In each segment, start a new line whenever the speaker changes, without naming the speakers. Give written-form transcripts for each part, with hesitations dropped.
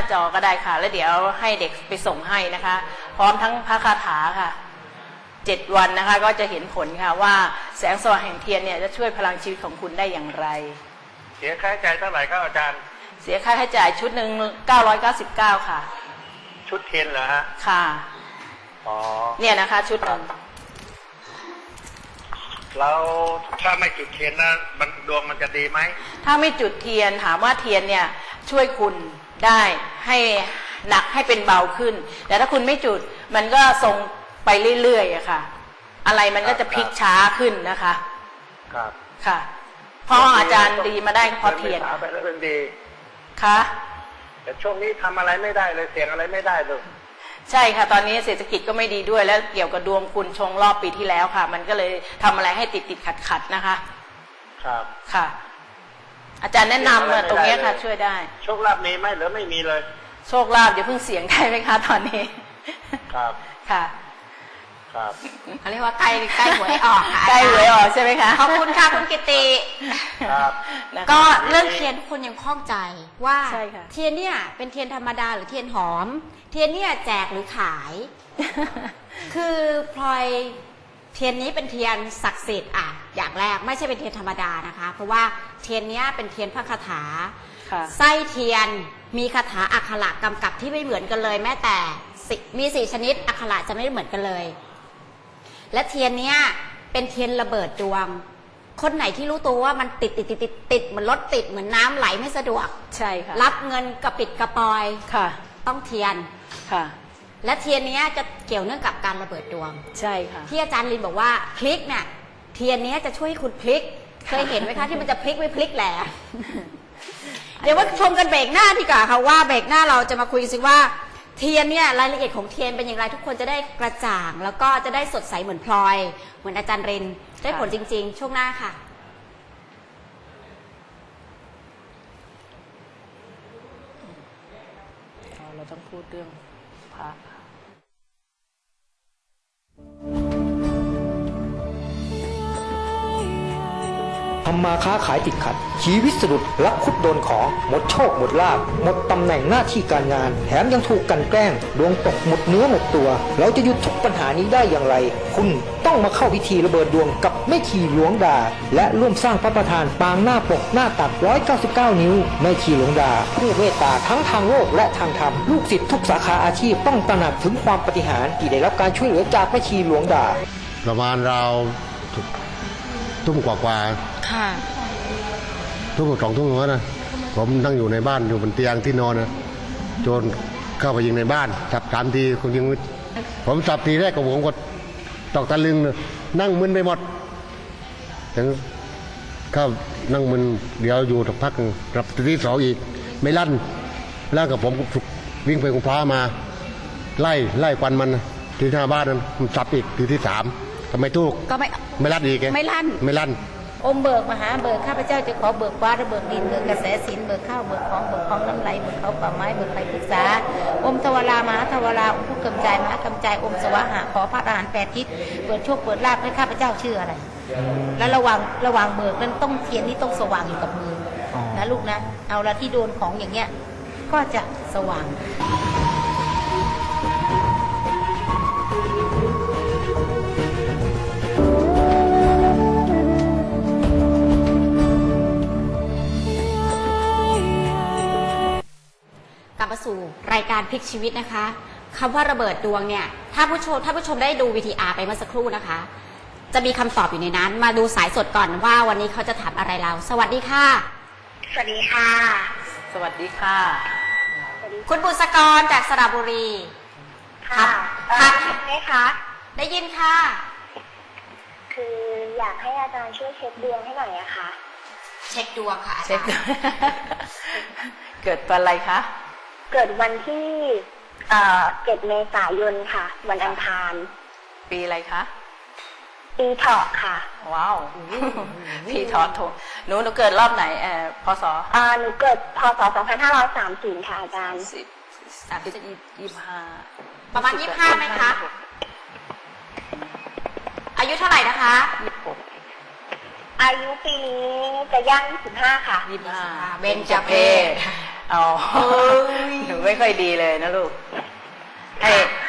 จอก็ได้ค่ะแล้วเดี๋ยวให้เด็กไปส่งให้นะคะ พร้อมทั้งพระคาถาค่ะ7 วันนะคะก็จะเห็นผลค่ะว่าแสงสว่างแห่งเทียนเนี่ยจะช่วยพลังชีวิตของคุณได้อย่างไร
เสียค่าใช้จ่ายเท่าไหร่ครับอาจารย์
เสียค่าใช้จ่ายชุดหนึ่ง999ค่ะ
ชุดเทียนเหรอฮะ
ค่ะ
อ๋อ
เนี่ยนะคะชุดหนึ่ง
แล้วถ้าไม่จุดเทียนนะดวงมันจะดีไหม
ถ้าไม่จุดเทียนถามว่าเทียนเนี่ยช่วยคุณได้ให้หนักให้เป็นเบาขึ้นแต่ถ้าคุณไม่จุดมันก็ทรงไปเรื่อยๆอะค่ะอะไรมันก็จะพลิกช้าขึ้นนะคะ
ครับ
ค่ะเพราะอาจารย์ดีมาได้ก็เพราะเทียน
ไปแล้วเป็นดี
ค่ะ
แต่ช่วงนี้ทำอะไรไม่ได้เลยเสียงอะไรไม่ได้เลย
ใช่ค่ะตอนนี้เศรษฐกิจก็ไม่ดีด้วยแล้วเกี่ยวกับดวงคุณชงรอบปีที่แล้วค่ะมันก็เลยทำอะไรให้ติดขัดนะคะ
ครับ
ค่ะอาจารย์แนะนำตรงนี้ค่ะช่วยได้
โชคลาภมีไหมหรือไม่มีเลย
โชคลาภเดี๋ยวเพิ่งเสียงได้ไหมคะตอนนี้
ครับ
ค่ะ
ครับ
เขาเรียกว่าใกล้หวยออกค่ะ
ใกล้หวยออกใช่ไหมคะ
ขอบคุณค่ะคุณกิติ
ครับ
ก็เรื่องเทียนทุกคนยังคล่องใจว่า
ใช่ค่ะ
เทียนเนี่ยเป็นเทียนธรรมดาหรือเทียนหอมเทียนเนี่ยแจกหรือขาย คือพลอยเทียนนี้เป็นเทียนศักดิ์สิทธิ์อย่างแรกไม่ใช่เป็นเทียนธรรมดานะคะเพราะว่าเทียนนี้เป็นเทียนพระคาถาไส้เทียนมีคาถาอักขระกำกับที่ไม่เหมือนกันเลยแม้แต่มี4 ชนิดอักขระจะไม่เหมือนกันเลยและเทียนเนี้ยเป็นเทียนระเบิดดวงคนไหนที่รู้ตัวว่ามันติดเหมือนรถติดเหมือนน้ำไหลไม่สะดวก
ใช่ค่ะ
รับเงินกระปิดกระปอย
ค่ะ
ต้องเทียน
ค่ะ
และเทียนนี้จะเกี่ยวเนื่องกับการระเบิดดวง
ใช่ค่ะ
ที่อาจารย์ลินบอกว่าพลิกเนี่ยเทียนนี้จะช่วยให้คุณพลิกเคยเห็นไหมคะที่มันจะพลิกไม่พลิกแหละเดี๋ยวว่าชมกันเบรกหน้าดีกว่าค่ะว่าเบรกหน้าเราจะมาคุยกันสิว่าเทียนเนี่ยรายละเอียดของเทียนเป็นอย่างไรทุกคนจะได้กระจ่างแล้วก็จะได้สดใสเหมือนพลอยเหมือนอาจารย์รินได้ผลจริงๆช่วงหน้าค่ะ
เราต้องพูดเรื่องพระ
ทำมาค้าขายติดขัดชีวิตสะดุดลักคุดโดนของหมดโชคหมดลาภหมดตำแหน่งหน้าที่การงานแถมยังถูกกันแกล้งดวงตกหมดเนื้อหมดตัวเราจะหยุดทุกปัญหานี้ได้อย่างไรคุณต้องมาเข้าพิธีระเบิดดวงกับแม่ชีหลวงดาและร่วมสร้างพระประธานปางหน้าปกหน้าตัก199 นิ้วแม่ชีหลวงดาผู้เมตตาทั้งทางโลกและทางธรรมลูกศิษย์ทุกสาขาอาชีพต้องตระหนักถึงความปาฏิหาริย์ที่ได้รับการช่วยเหลือจากแม่ชีหลวงดา
ประมาณเราทุ่มกว่า
ค่ะ
ทุ่ม2 ทุ่มนะผมนั่งอยู่ในบ้านอยู่บนเตียงที่นอนนะโจรเข้าไปยิงในบ้านสับ3 ทีคนยิงผมสับทีแรกกับผมก็ตอกตะลึงเลยนั่งมึนไปหมดถึงเข้านั่งมึนเดี๋ยวอยู่สักพักรับทีที่2อีกไม่ลั่นแล้วกับผมวิ่งไปกุมภามาไล่ควันมันที่หน้าบ้านนั้นมันสับอีกทีที่3ก็ไม่ถูก
ก็
ไม่ลั่นอีก
ไม่ลั่น
อมเบิกมหาเบิกข้าพเจ้าจะขอเบิกฟ้าและเบิกดินเบิกกระแสสินเบิกข้าวเบิกของน้ำไหลเบิกเขาป่าไม้เบิกไฟปรึกษาอมทวารามหาทวาราอมผู้กำจายมหากำจายอมสวะหะขอพระอรหันต์8 ทิศเปิดโชคเปิดลาภให้ข้าพเจ้าชื่ออะไรแล้วระวังเบิกนั้นต้องเทียนที่ต้องสว่างอยู่กับมือนะลูกนะเอาละที่โดนของอย่างเงี้ยก็จะสว่าง
กลับมาสู่รายการพลิกชีวิตนะคะคำว่าระเบิดดวงเนี่ยถ้าผู้ชมได้ดู VTR ไปเมื่อสักครู่นะคะจะมีคำตอบอยู่ในนั้นมาดูสายสดก่อนว่าวันนี้เขาจะถามอะไรเราสวัสดีค่ะ
สวัสดีค่ะ
สวัสดีค่ะ
คุณบุษกรจากสระบุรี
ค่ะได้ยินไหมคะ
ได้ยินค่ะ
คืออยากให้อาจารย์ช่วยเช็คดวงให้หน่อยอะค่ะ
เช็คดวงค่ะ
เช็คเกิดวันอะไรคะ
เกิดวันที่7 เมษายนค่ะวันอังคาร
ปีอะไรคะ
ปีเถาะค่ะ
ว้าวปีเถาะหนูเกิดรอบไหนพศ
หนูเกิดพศ2530ค่ะอาจารย์
25
ประมาณ25ไหมคะอายุเท่าไหร่นะคะ
อายุปีนี้จะย่าง25ค่ะ
25เบญจเพสอ๋อหนูไม่ค่อยดีเลยนะลูกให้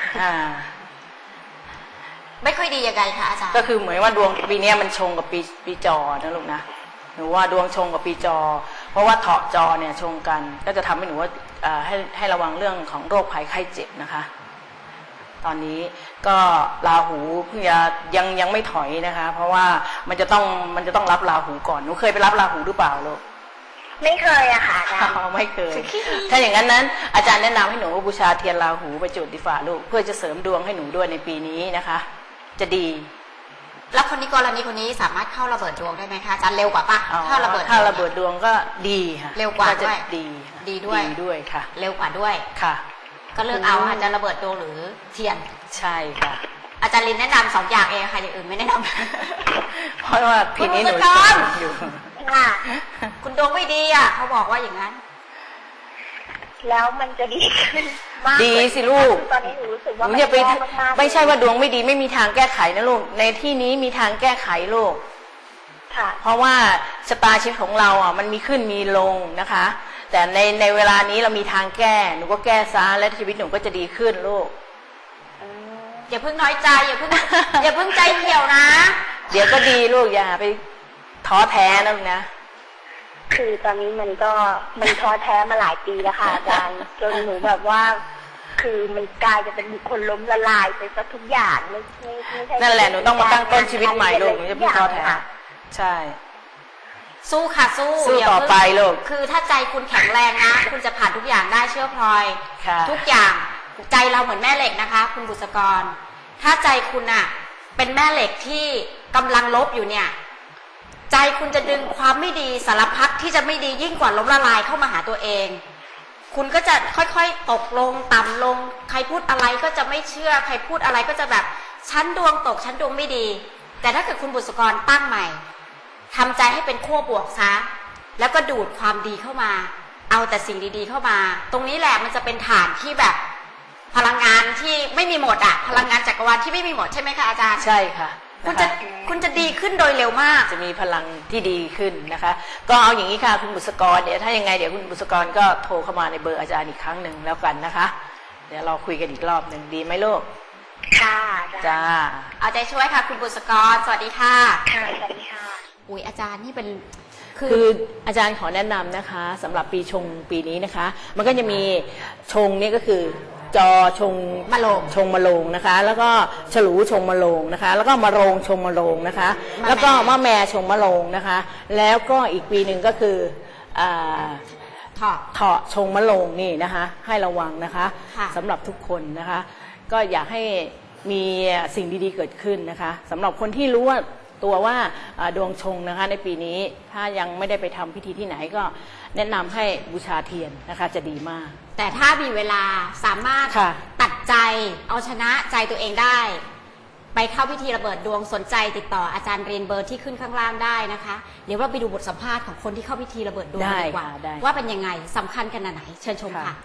ไม่ค่อยดียังไงคะอาจารย์
ก็คือเหมือนว่าดวงปีนี้มันชงกับปีจอนะลูกนะหนูว่าดวงชงกับปีจอเพราะว่าเถาะจอเนี่ยชงกันก็จะทำให้หนูว่าให้ระวังเรื่องของโรคภัยไข้เจ็บนะคะตอนนี้ก็ราหูเพิ่งจะยังไม่ถอยนะคะ เพราะว่ามันจะต้องรับราหูก่อนหนูเคยไปรับราหูหรือเปล่าลูก
ไม่เคยอะค่ะอาจารย์
ไม่เคย ถ้าอย่างนั้นอาจารย์แนะนำให้หนูบูชาเทียนราหูไปจุดดีฝ่าลูกเพื่อจะเสริมดวงให้หนูด้วยในปีนี้นะคะ จะดี
แล้วคนนี้กรณีคนนี้สามารถเข้าระเบิดดวงได้ไหมคะอาจารย์เร็วกว่าปะถ้าระเบิด
ดวงก็ดีค่ะ
เร็วกว่า
จะ
ด้วย
ดี
ด้วย
ค่ะ
เร็วกว่าด้วย
ค่ะ
ก็เลือกเอาอาจจะระเบิดดวงหรือเทียน
ใช่ค่ะ
อาจารย์ลินแนะนำ2 อย่างเองค่ะอย่างอื่นไม่แนะนำ
เพราะว่าปีนี้หนูอยู่
ค่ะ
คุณดวงไม่ดีอ่ะเขาบอกว่าอย่างนั้น
แล้วมันจะดีขึ้นมาก
ดีสิลูก
ตอนนี้หนูรู้สึก
ห
ว่า
นู
มัน
อย่าไป
แย่มากๆ
ไม่ใช่ว่าดวงไม่ดีไม่มีทางแก้ไขนะลูกในที่นี้มีทางแก้ไขลูก
ค่ะ
เพราะว่าชะตาชีวิตของเราอ่ะมันมีขึ้นมีลงนะคะ แต่ในเวลานี้เรามีทางแก้หนูก็แก้ซะและชีวิตหนูก็จะดีขึ้นลูก
อย่าเพิ่งน้อยใจอย่าเพิ่ง อย่าเพิ่งใจเหี่ยวนะ
เดี๋ยวก็ดีลูกอย่าไปท้อแท้นะลูกนะ
คือตอนนี้มันท้อแท้มาหลายปีแล้วค่ะอาจารย์จนหนูแบบว่า คือมันกลายจะเป็นบุคคลล้มละลายไปซะทุกอย่างไม่ใช่
นั่นแหละหนูต้องมาตั้งต้นชีวิตใหม่ลูกหนูจะไม่ท้อแท้ใช่
สู้ค่ะสู้
ต่อไปลูก
คือถ้าใจคุณแข็งแรงนะ คุณจะผ่านทุกอย่างได้เชื่อพลอย
ค่ะ
ทุกอย่างใจเราเหมือนแม่เหล็กนะคะ คุณบุษกร ถ้าใจคุณน่ะ เป็นแม่เหล็กที่กำลังลบอยู่เนี่ย ใจคุณจะดึงความไม่ดีสารพัดที่จะไม่ดียิ่งกว่าล้มละลายเข้ามาหาตัวเอง คุณก็จะค่อยๆตกลงต่ำลง ใครพูดอะไรก็จะไม่เชื่อ ใครพูดอะไรก็จะแบบฉันดวงตกฉันดวงไม่ดี แต่ถ้าเกิดคุณบุษกรตั้งใหม่ทำใจให้เป็นขั้วบวกซะแล้วก็ดูดความดีเข้ามา เอาแต่สิ่งดีๆเข้ามา ตรงนี้แหละมันจะเป็นฐานที่แบบพลังงานที่ไม่มีหมดอะพลังงานจักรวาลที่ไม่มีหมดใช่ไหมคะอาจารย์
ใช่ค่ะ
คุณจะดีขึ้นโดยเร็วมาก
จะมีพลังที่ดีขึ้นนะคะ ก็เอาอย่างนี้ค่ะคุณบุษกรเดี๋ยวถ้ายังไงเดี๋ยวคุณบุษกรก็โทรเข้ามาในเบอร์อาจารย์อีกครั้งหนึ่งแล้วกันนะคะ เดี๋ยวเราคุยกันอีกรอบหนึ่งดีไหมลูก
ค่ะ
จ้า
เอาใจช่วยค่ะคุณบุษกรสวัสดีค่ะ
ค่ะสวัสดีค่ะ
อุ้ยอาจารย์นี่เป็น
คืออาจารย์ขอแนะนำนะคะสำหรับปีชงปีนี้นะคะ มันก็จะมีชงนี่ก็คือจอชงมะโรงนะคะ แล้วก็ฉลูชงมะโรงนะคะ แล้วก็มะโรงชงมะโรงนะคะ แล้วก็มะแม่ชงมะโรงนะคะ แล้วก็อีกปีหนึ่งก็คือเถาะชงมะโรงนี่นะคะ ให้ระวังนะคะสำหรับทุกคนนะคะ ก็อยากให้มีสิ่งดีๆเกิดขึ้นนะคะสำหรับคนที่รู้ว่าตัวว่าดวงชงนะคะในปีนี้ถ้ายังไม่ได้ไปทำพิธีที่ไหนก็แนะนำให้บูชาเทียนนะคะจะดีมาก
แต่ถ้ามีเวลาสามารถ
ค่ะ
ตัดใจเอาชนะใจตัวเองได้ ไปเข้าพิธีระเบิดดวงสนใจติดต่ออาจารย์เรียนเบอร์ที่ขึ้นข้างล่างได้นะคะ เดี๋ยวเราไปดูบทสัมภาษณ์ของคนที่เข้าพิธีระเบิดดวงกันดีกว่า
ได้
ว่าเป็นยังไงสำคัญขนาดไหนเชิญชมค่ะ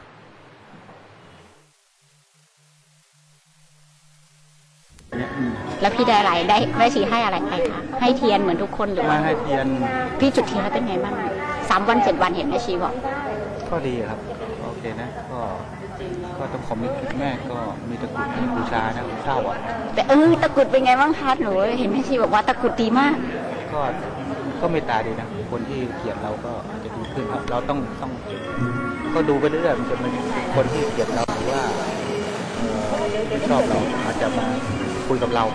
แล้วพี่ได้อะไรได้แม่ชีให้อะไรไปคะให้เทียนเหมือนทุกคนหรือว่า
ให้เทียน
พี่จุดเทียนแล้วเป็นไงบ้าง3 วัน 7 วันเห็นแม่ชีบอก
ก็ดีครับโอเคนะก็ต้องขอมีแม่ก็มีตะกรุดให้บูชานะเศร้าอ่ะ
แต่ตะกรุดเป็นไงบ้างคะหนูเห็นแม่ชีบอกว่าตะกรุดดีมาก
ก็เมตตาดีนะคนที่เกลียดเราก็อาจจะดีขึ้นครับเราต้องก็ดูไปเรื่อยๆมันจะมีคนที่เกลียดเราหรือว่าไม่ชอบเราอาจจะมาคุยกับเรา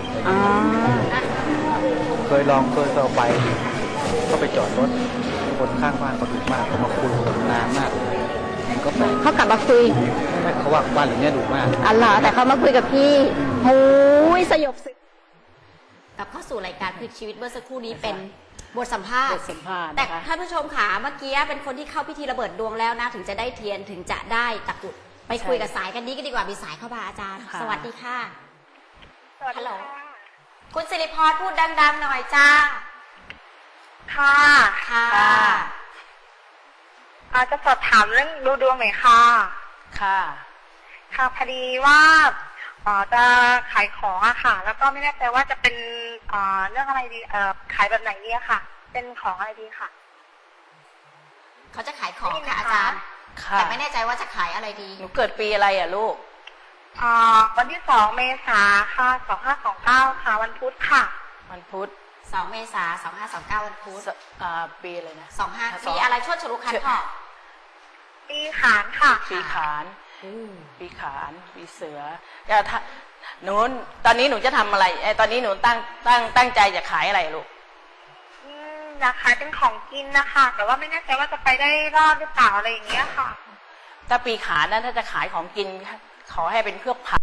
เคยต่อไปก็ไปจอดรถคนข้างบ้านก็ดุมากเขามาคุยกันนานมากมันก็ไป
เขากลับมาคุย
ไม่เขาว่าบ้านหลังนี้ดุมาก
อ๋อเหรอแต่เขามาคุยกับพี่โอ้ยสยบสึก
กลับเข้าสู่รายการคือชีวิตเมื่อสักครู่นี้เป็นบทสัมภาษ
บ
ณ์
ทสัมภาษณ์
แต่
นะคะ
ท่านผู้ชมขาเมื่อกี้เป็นคนที่เข้าพิธีระเบิดดวงแล้วนะถึงจะได้เทียนถึงจะได้ตะกรุดไปคุยกับสายกันนี้กันดีกว่ามีสายเข้ามาอาจารย์
ค่ะ
สวัสดีค่ะ
สวัส
ฮั
ดี
ลโหล
ค่ะ
คุณสิริพรพูดดังๆหน่อยจ้า
ค่ะ
ค่ะ
จะสอบถามเรื่องดูดวงหน่อยค่ะ
ค่ะ
ค่ะพอดีว่าจะขายของอะค่ะ แล้วก็ไม่แน่ใจว่าจะเป็นเรื่องอะไรดีขายแบบไหนดีอะค่ะ เป็นของอะไรดีค่ะ
เขาจะขายของ
ได้ยินไหม
ค่ะ
คะ
อาจารย์
ค่ะ
แต่ไม่แน่ใจว่าจะขายอะไรดี
หนูเกิดปีอะไรอ่ะลูก
วันที่2 เมษาค่ะ2529ค่ะวันพุธค่ะ
วันพุธ
2 เมษายน 2529 วันพุธ
ปีอะไรนะ
25ปีอะไรชวดฉลูคันพ่อ
ปีขานค่ะ
ปีขาน ปีขาน ปีเสือจะหนูตอนนี้หนูจะทำอะไรตอนนี้หนูตั้งใจจะขายอะไรลูก
นะคะเป็นของกินนะคะแต่ว่าไม่แน่ใจว่าจะไปได้รอดหรือเปล่าอะไรอย่างเงี้ยค่ะ
ถ้าปีขานนั้นถ้าจะขายของกินขอให้เป็นพวกผัก